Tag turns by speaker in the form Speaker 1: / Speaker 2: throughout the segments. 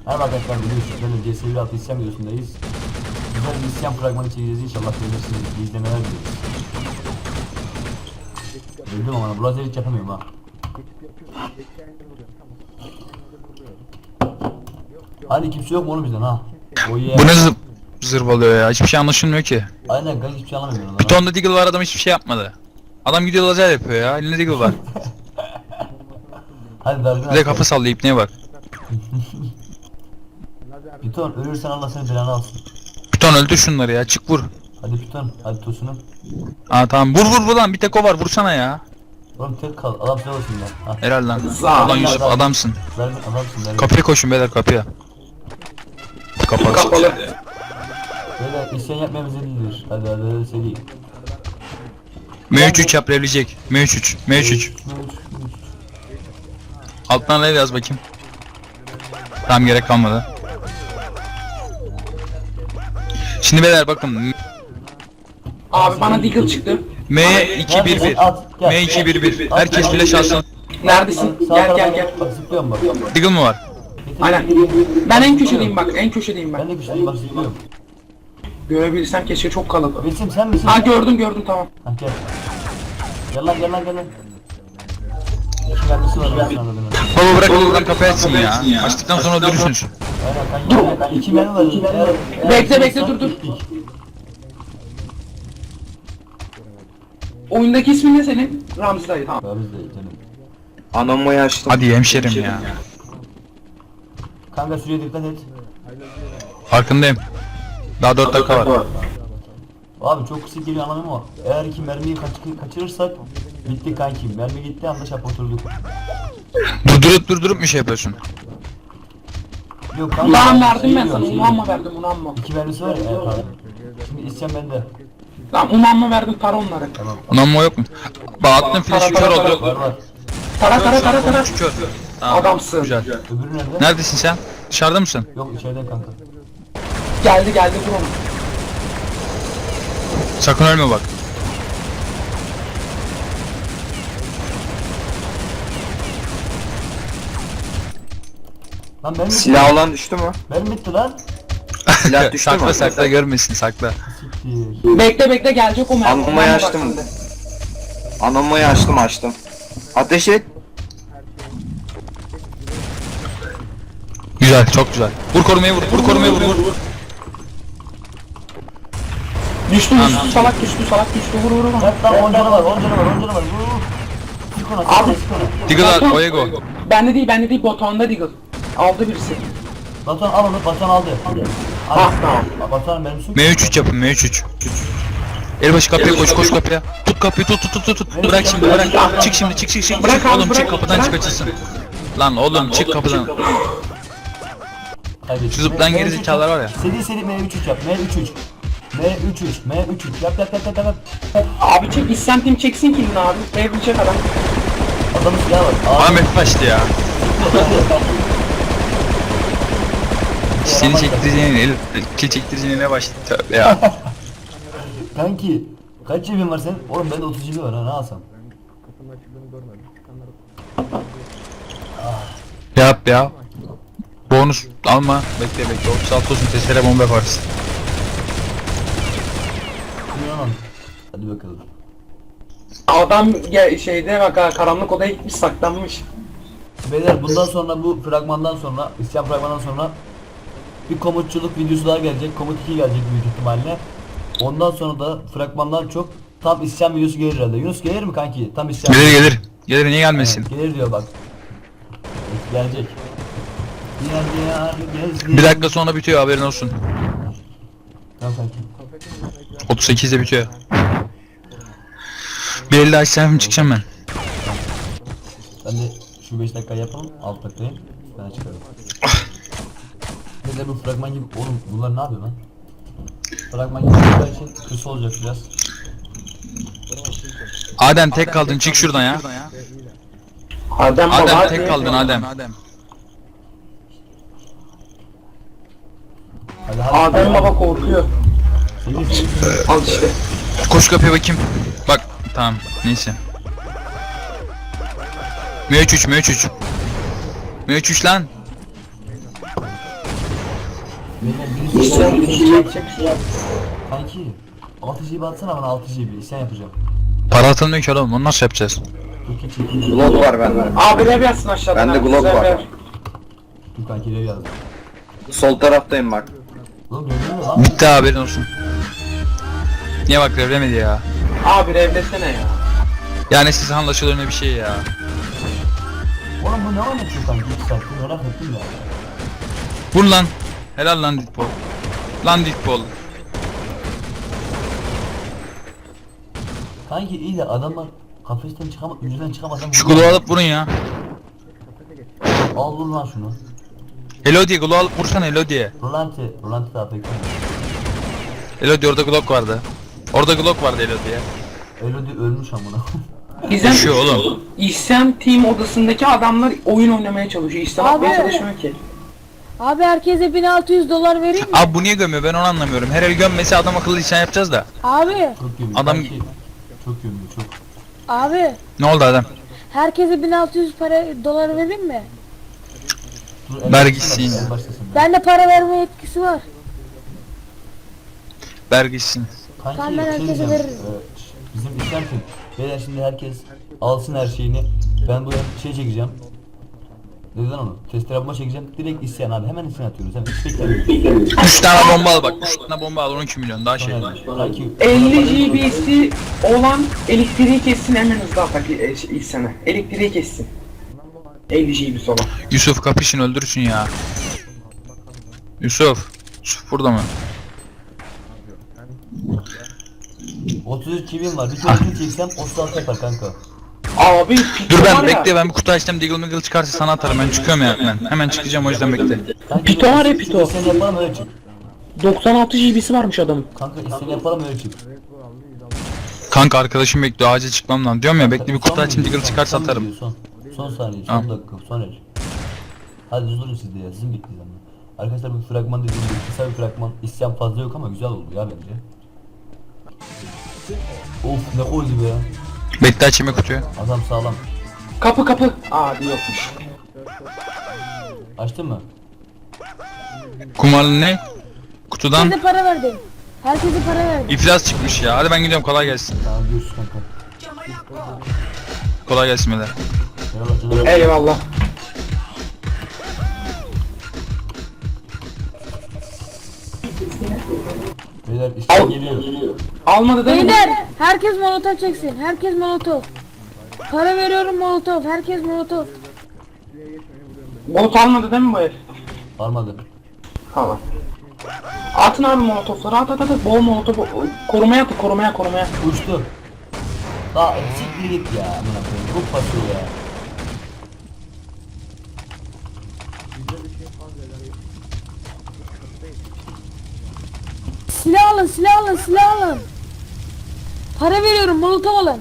Speaker 1: Merhaba arkadaşlar, biliyorsunuz ben de CS1 isyan videosundayız. Güzel bir isyan fragmanı çekeceğiz, inşallah beğenirsiniz. İyi izlemeler dileriz. Öldüm ama Buraz'ı hiç yapamıyorum ha. Hani kimse yok mu oğlum bizden ha?
Speaker 2: Bu ne zırvalıyor ya, hiçbir şey anlaşılmıyor ki.
Speaker 1: Aynen kanka, hiçbir şey anlamıyorum lan.
Speaker 2: Bir tonda Deagle var, adam hiçbir şey yapmadı. Adam gidiyor lazer yapıyor ya, elinde Deagle var.
Speaker 1: Hadi dargın
Speaker 2: Bir de kafa sallıyor, ipneye bak.
Speaker 1: Piton, ölürsen Allah seni belanı alsın.
Speaker 2: Bir ton öldür şunları ya, çık vur.
Speaker 1: Hadi Piton, hadi Tosun'um.
Speaker 2: Aa tamam, vur lan, bir tek o var, vursana ya.
Speaker 1: Oğlum tek kal, adam size olsun ya.
Speaker 2: Helal lan. Ulan Yusuf adamsın.
Speaker 1: Dargın adamsın dargın.
Speaker 2: Kapıya koşun beyler, kapıya. Kapalı.
Speaker 1: Böyle isyan yapmaya bize değildir. Hadi seri.
Speaker 2: M33 yap, revleyecek. M33. Alttan rev yaz bakayım. Tamam, gerek kalmadı. Şimdi beyler bakın.
Speaker 3: Abi bana Deagle çıktı.
Speaker 2: M211. M211. Herkes flash alsın.
Speaker 3: Neredesin?
Speaker 1: Sağ
Speaker 3: Gel
Speaker 1: tarafa
Speaker 3: gel gel.
Speaker 1: Bak zıplıyorum bak.
Speaker 2: Deagle mı var?
Speaker 3: Aynen. Ben en köşedeyim bak. En köşedeyim
Speaker 1: Ben
Speaker 3: ben.
Speaker 1: de güçlüyüm bak zıplıyorum.
Speaker 3: Görebilsem keşke, çok kalabalık.
Speaker 1: Bilsim sen misin?
Speaker 3: Ha gördüm tamam.
Speaker 1: Ha gel. Gel lan. İki mermisi var ben anladım.
Speaker 2: Baba bırak oradan kapıyı açsın ya. Açtıktan sonra durursunuz.
Speaker 1: Aynen kanka. İki mermi var.
Speaker 3: Bekle, dur. Oyundaki ismin ne senin? Ramzi dayı, tamam.
Speaker 1: Biz de canım.
Speaker 4: Anamayı açtım.
Speaker 2: Hadi hemşerim ya.
Speaker 1: Kanka süreye dikkat et.
Speaker 2: Farkındayım. Daha 4 dakika var.
Speaker 1: Abi çok kısa geliyor anlamı o. Eğer ki mermiyi kaçırırsak bitti kanki. Mermi gitti anda şap oturduk.
Speaker 2: Durdurup bir şey yapıyorsun.
Speaker 1: Yok kanka.
Speaker 3: Ulan verdim ben
Speaker 1: diyorum,
Speaker 3: sana.
Speaker 1: diyorum.
Speaker 3: Unanma verdim, unanma.
Speaker 1: İki mermisi var ya. Pardon. Şimdi isyan bende.
Speaker 3: Tamam, unanma verdim, tara onları.
Speaker 2: Onanma yok mu? Bak attım flash'ı, kör oldu.
Speaker 1: Var.
Speaker 3: Tara.
Speaker 2: Kör. Tamam.
Speaker 3: Adamsın.
Speaker 2: Güzel.
Speaker 1: Öbürü nerede?
Speaker 2: Neredesin sen? Dışarıda mısın?
Speaker 1: Yok içeride kanka.
Speaker 3: Geldi dur onu.
Speaker 2: Sakın ölme bak.
Speaker 1: Lan mermi bitti.
Speaker 4: Silah olan düştü mü?
Speaker 1: Mermi bitti lan.
Speaker 4: Silah düştü mü?
Speaker 2: sakla görmesin, sakla.
Speaker 1: Siktir.
Speaker 3: Bekle gelecek o mermi.
Speaker 4: Anamayı açtım. Anamayı açtım. Ateş et.
Speaker 2: Güzel, çok güzel. Vur korumayı vur.
Speaker 3: Düştü, salak düştü. Vur.
Speaker 1: Kaç lan 10 canı var. Vur. Sık ona.
Speaker 3: Abi.
Speaker 2: Deagle al, Oyego.
Speaker 3: Bende değil, Batuhan'da Deagle. Aldı birisi.
Speaker 1: Batuhan al onu. Batuhan aldı.
Speaker 3: Ah tamam.
Speaker 1: Batuhan mermisi yok.
Speaker 2: M33 yapın, M33. Elbaşı kapıya koş kapıya. Tut kapıyı, tut. Bırak şimdi, bırak. Çık şimdi, çık.
Speaker 3: Bırak abi,
Speaker 2: Oğlum çık,
Speaker 3: bırak.
Speaker 2: kapıdan çık açılsın. Lan oğlum çık kapıdan.
Speaker 1: Kaybettik.
Speaker 2: Şu zıplayan geri zekalar var ya.
Speaker 1: Seri M3 yap. M3 yap.
Speaker 3: Abi çek, isyantim çeksin kilini abi. Evlenecek adam.
Speaker 1: Adamın silahı var.
Speaker 2: Ahmet başladı ya. Seni çektireceğine, kill çektireceğine ne başladı? Tövbe ya.
Speaker 1: Kanki. Kaç cebin var senin? Oğlum bende 30 cebi var ha, ne alsam?
Speaker 2: Yap ya. Bonus alma. Bekle. 36 olsun, testere bomba yaparsın.
Speaker 1: Tamam. Hadi bakalım.
Speaker 3: Adam şeyde bak ha, karanlık odaya gitmiş, saklanmış.
Speaker 1: Beyler bundan sonra bu fragmandan sonra, isyan fragmandan sonra bir komutçuluk videosu daha gelecek. Komut 2 gelecek büyük ihtimalle. Ondan sonra da fragmandan çok tam isyan videosu gelir herhalde. Yunus gelir mi kanki? Tam isyan.
Speaker 2: Gelir. Niye gelmesin?
Speaker 1: Evet, gelir diyor bak. Gelecek. Diyar gezdi.
Speaker 2: Bir dakika sonra bitiyor, haberin olsun.
Speaker 1: Tamam kanki.
Speaker 2: 38'de bitiyor. Bir elde açsam çıkacağım ben.
Speaker 1: Ben de şu 5 dakika yapalım. 6 dakikayı. Ben çıkarım. Bir de bu fragman gibi. Oğlum bunlar ne yapıyor lan? Fragman gibi olduğu için kısa olacak biraz.
Speaker 2: Adem tek kaldın, çık şuradan ya.
Speaker 3: Adem baba.
Speaker 2: Adem tek kaldın Adem.
Speaker 1: Hadi
Speaker 3: Adem baba korkuyor.
Speaker 1: Seri.
Speaker 3: Al işte.
Speaker 2: Koş kapıya bakayım. Bak tamam, neyse. M3 lan.
Speaker 1: Beyler birisi isyan yapacak. Kanki 6 GB atsana bana, 6 GB isyan yapacağım.
Speaker 2: Para atılmıyor ki oğlum, onu nasıl yapacağız?
Speaker 1: Dur çekeyim.
Speaker 4: Glock var bende.
Speaker 3: Abi rev yazsın aşağıdan.
Speaker 4: Bende
Speaker 3: abi,
Speaker 4: Glock
Speaker 3: güzel
Speaker 4: var.
Speaker 3: rev.
Speaker 1: Dur kanki rev yazdım.
Speaker 4: Sol taraftayım bak.
Speaker 1: Oğlum gördün mü lan?
Speaker 2: Bitti, haberin olsun. Niye bak revlemedi ya?
Speaker 3: Abi revlesene ya.
Speaker 2: Yani siz anlaşılır ne bir şey ya.
Speaker 1: Oğlum bu ne anlatıyor kanki 2 saattir, merak ettim ya.
Speaker 2: Vur lan. Helal lan Deadpool. Lan Deadpool.
Speaker 1: Kanki iyi de adamlar kafesten çıkamaz, yüzden çıkamadan
Speaker 2: Şu glow alıp vurun ya.
Speaker 1: Al vur lan şunu.
Speaker 2: Hello diye glow alıp vursana Hello diye.
Speaker 1: Rolanti daha pek.
Speaker 2: Hello diye, orada glock vardı. Orada glock vardı Hello diye.
Speaker 1: Elodie ölmüş amına.
Speaker 3: İzlem,
Speaker 2: Şu oğlum.
Speaker 3: İsyan team odasındaki adamlar oyun oynamaya çalışıyor. İsyan
Speaker 5: Abi.
Speaker 3: atmaya çalışmıyor ki.
Speaker 5: Abi herkese 1600 dolar vereyim mi?
Speaker 2: Abi bu niye gömüyor, ben onu anlamıyorum. Her el gömmesi adam akıllı işlem yapacağız da.
Speaker 5: Abi,
Speaker 1: Çok gömüyor.
Speaker 2: Adam-
Speaker 1: Kanki, çok gömüyor çok.
Speaker 5: abi
Speaker 2: Ne oldu adam?
Speaker 5: herkese 1600 dolar vereyim mi?
Speaker 1: Dur,
Speaker 2: Ver
Speaker 1: en
Speaker 2: gitsin
Speaker 1: başlasın,
Speaker 2: ya.
Speaker 1: en başlasın.
Speaker 5: Bende para verme yetkisi var.
Speaker 2: Ver gitsin.
Speaker 1: Kanki
Speaker 5: Tamam, ben herkese
Speaker 1: diyeceğim,
Speaker 5: veririm.
Speaker 1: bizim isyan kim? Beyler şimdi herkes alsın her şeyini. Ben buraya şey çekeceğim. Neden onu? Testere bomba çekeceğim. Direkt isyan abi. Hemen isyan atıyoruz. Hemen hiç beklemiyoruz.
Speaker 2: 3 tane bomba al bak. 3 tane bomba al, 12 milyon daha şey.
Speaker 1: Kanki
Speaker 3: 50 GB'si olan elektriği kessin, hemen hızlı atak İhsan'a. Elektriği kessin. 50 GB'si olan.
Speaker 2: Yusuf kapışın, öldürsün ya. Yusuf. Yusuf burada mı?
Speaker 1: 33 çivim var. Bir kere çeksem 36 yapar kanka.
Speaker 3: Abi Pito
Speaker 2: Dur
Speaker 3: var
Speaker 2: ben
Speaker 3: ya.
Speaker 2: bekle, ben bir kutu açtım, Deagle Meagle çıkarsa sana atarım, ben çıkıyorum ya hemen. Hemen çıkacağım, o yüzden bekle.
Speaker 1: Kanka,
Speaker 3: Pito var ya, Pito.
Speaker 1: İsyan yapalım öyle çık.
Speaker 3: 96 GB'si varmış adamın.
Speaker 1: Kanka isyan yapalım öyle çık.
Speaker 2: Kanka arkadaşım bekliyor, acil çıkmam lan diyorum ya, bekle bir kutu
Speaker 1: Son
Speaker 2: açayım,
Speaker 1: video,
Speaker 2: Deagle çıkarsa
Speaker 1: son
Speaker 2: atarım.
Speaker 1: video, Son saniye, son
Speaker 2: Tamam.
Speaker 1: dakika, son el. Hadi durun siz de ya, sizin bekleyeceğim ben. Arkadaşlar bu fragman dediğim gibi kısa bir fragman. İsyan fazla yok ama güzel oldu ya bence. Of ne koydu be ya.
Speaker 2: Bekle açayım kutuyu.
Speaker 1: Adam sağlam.
Speaker 3: Kapı kapı. Abi yokmuş.
Speaker 1: Açtın mı?
Speaker 2: Kumarlı ne? Kutudan
Speaker 5: Herkese para verdim. Herkese para verdim.
Speaker 2: iflas çıkmış ya. Hadi ben gidiyorum, kolay gelsin.
Speaker 1: Tamam görüşürüz kanka.
Speaker 2: Kolay gelsin beyler.
Speaker 1: Eyvallah canım.
Speaker 3: Eyvallah.
Speaker 1: Beyler isyan
Speaker 3: Al.
Speaker 1: geliyor.
Speaker 3: Almadı değil mi?
Speaker 5: Beyler herkes molotof çeksin. Herkes molotof. Para veriyorum molotof. Herkes molotof.
Speaker 3: Bolt almadı değil mi bu herif?
Speaker 1: Almadı.
Speaker 3: Tamam. Atın abi molotofları, at at at. Bol molotof. Korumaya atın, korumaya.
Speaker 1: Uçtu. Daha siktir git ya. Amına koyayım. Bu pasıyor ya.
Speaker 5: Silah alın, silah alın, silah alın. Para veriyorum molotof alın.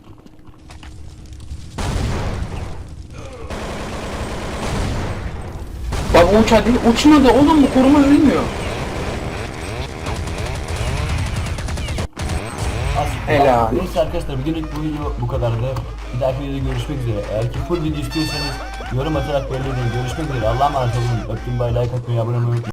Speaker 3: Bak o uçadı, uçmadı oğlum, bu koruma ölmüyor. Helal.
Speaker 1: Neyse arkadaşlar bugünlük bu video bu kadardı. Bir dahaki videoda görüşmek üzere. Eğer ki full video istiyorsanız yorum atarak belirleyin. Görüşmek üzere. Allah'a emanet olun. Öptüm, bay, like atmayı, abone olmayı unutmayın.